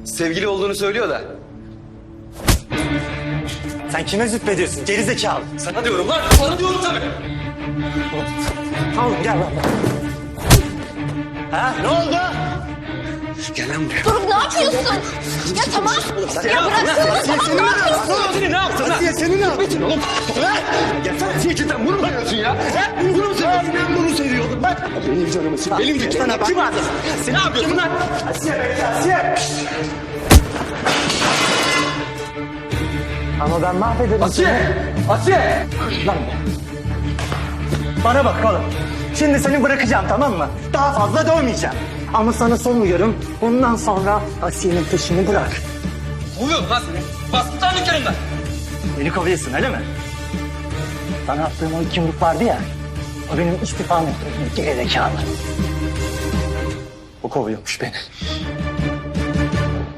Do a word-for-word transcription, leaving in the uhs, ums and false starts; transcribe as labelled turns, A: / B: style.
A: Sevgili olduğunu söylüyor da.
B: Sen kime züppediyorsun gerizekalı?
A: Sana diyorum lan. Sana diyorum tabii.
B: Oğlum gel lan. Ha ne oldu?
A: Gel lan buraya.
C: Dur ne yapıyorsun? Ya tamam. Ya bıraksana tamam ne yapıyorsun?
A: Seni ne yaptın lan?
B: Asiye seni ne yaptın oğlum?
A: Ya sen Asiye cidden bunu mu yapıyorsun ya? He? Bunu mu seviyorsun? Ben bunu seviyordum bak. Benim canımı sık. Benim de
B: Sana bak.
A: Kim vardı? Sen ne yapıyorsun lan?
B: Asiye bekle Asiye. Ama ben mahvederim
A: Asiye! Asiye!
B: Lan bana bak oğlum. Şimdi seni bırakacağım tamam mı? Daha fazla dövmeyeceğim. Ama sana son uyarım. Bundan sonra Asiye'nin peşini bırak.
A: Uyuyorum lan seni. Bastın lan dükkanımdan.
B: Beni kovuyorsun öyle mi? Sana attığım o iki yumruk vardı ya. O benim istifam ettiğim gerizekalı. O kovuyormuş beni.